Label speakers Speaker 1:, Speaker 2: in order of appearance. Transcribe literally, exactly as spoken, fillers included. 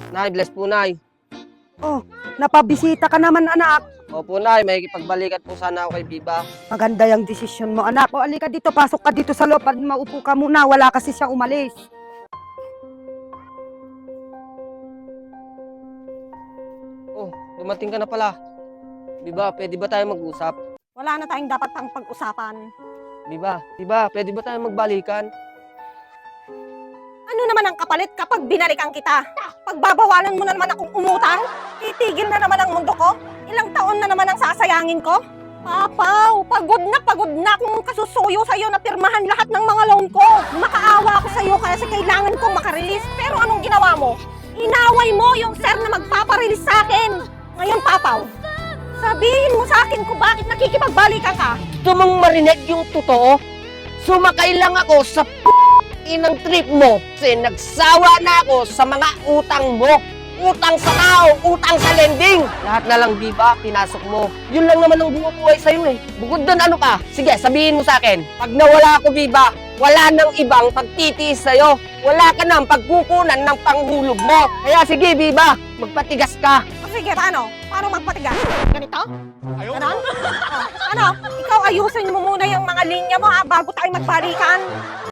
Speaker 1: Nay, bless po, Nay.
Speaker 2: Oh, napabisita ka naman, anak.
Speaker 1: Opo, Nay, may ipagbalikan po sana ako kay Biba.
Speaker 2: Maganda yung desisyon mo, anak. O, alika dito, pasok ka dito sa loob. Pag maupo ka muna, wala kasi siya umalis.
Speaker 1: Oh, dumating ka na pala. Biba, pwede ba tayo mag-usap?
Speaker 2: Wala na tayong dapat pang pag-usapan.
Speaker 1: Biba, Biba, pwede ba tayo magbalikan?
Speaker 2: Ano naman ang kapalit kapag binalikan kita? Pagbabawalan mo na naman akong umutang? Titigil na naman ang mundo ko? Ilang taon na naman ang sasayangin ko? Papaw, pagod na pagod na akong kasusuyo sa'yo na pirmahan lahat ng mga loan ko. Makaawa ako sa'yo kasi kailangan kong makarelease. Pero anong ginawa mo? Inaway mo yung sir na magpaparelease sa akin. Ngayon, Papaw, sabihin mo sa akin kung bakit nakikipagbalikan ka.
Speaker 1: Gusto mong marinig yung totoo? Sumakay lang ako sa p*** inang trip mo kasi nagsawa na ako sa mga utang mo. Utang sa tao, utang sa lending. Lahat na lang, Biba, pinasok mo. Yun lang naman ang bumubuhay sa'yo eh. Bukod doon, ano pa? Sige, sabihin mo sa akin. Pag nawala ako, Biba, wala nang ibang pagtitiis sa'yo. Wala ka nang pagkukunan ng panghulog mo. Kaya sige, Biba, magpatigas ka.
Speaker 2: O sige, paano? Paano magpatigas? Ganito? Ganon? Oh, ano? Ikaw ayusin mo muna yung mga linya mo ha, bago tayo magbalikan.